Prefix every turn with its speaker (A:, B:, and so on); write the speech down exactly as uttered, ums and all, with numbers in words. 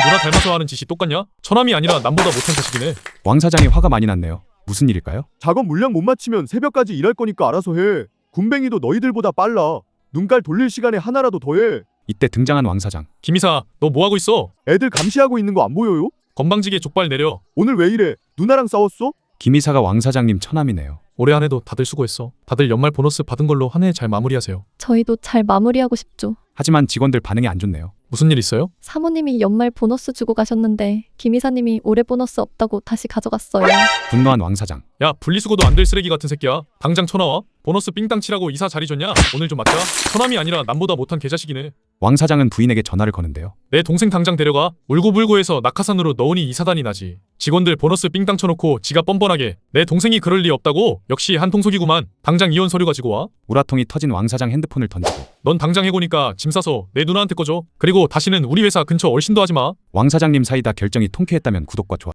A: 누나 닮아서 하는 짓이 똑같냐? 처남이 아니라 남보다 못한 자식이네.
B: 왕 사장이 화가 많이 났네요. 무슨 일일까요?
C: 작업 물량 못 맞추면 새벽까지 일할 거니까 알아서 해. 군뱅이도 너희들보다 빨라. 눈깔 돌릴 시간에 하나라도 더 해.
B: 이때 등장한 왕 사장.
A: 김이사, 너 뭐하고 있어?
C: 애들 감시하고 있는 거 안 보여요?
A: 건방지게 족발 내려.
C: 오늘 왜 이래? 누나랑 싸웠어?
B: 김 이사가 왕 사장님 처남이네요.
A: 올해 한 해도 다들 수고했어. 다들 연말 보너스 받은 걸로 한 해 잘 마무리하세요.
D: 저희도 잘 마무리하고 싶죠.
B: 하지만 직원들 반응이 안 좋네요.
A: 무슨 일 있어요?
D: 사모님이 연말 보너스 주고 가셨는데 김 이사님이 올해 보너스 없다고 다시 가져갔어요.
B: 분노한 왕 사장.
A: 야, 분리수거도 안 될 쓰레기 같은 새끼야. 당장 쳐나와. 보너스 삥땅 치라고 이사 자리 줬냐? 오늘 좀 맞자. 처남이 아니라 남보다 못한 개자식이네.
B: 왕 사장은 부인에게 전화를 거는데요.
A: 내 동생 당장 데려가. 울고불고해서 낙하산으로 넣으니 이사단이 나지. 직원들 보너스 삥땅 쳐놓고 지가 뻔뻔하게. 내 동생이 그럴 리 없다고? 역시 한통속이구만. 당장 이혼 서류 가지고 와.
B: 우라통이 터진 왕 사장 핸드폰을 던지고.
A: 넌 당장 해고니까 짐 싸서 내 누나한테 꺼줘. 그리고 다시는 우리 회사 근처 얼씬도 하지 마.
B: 왕 사장님 사이다 결정이 통쾌했다면 구독과 좋아요.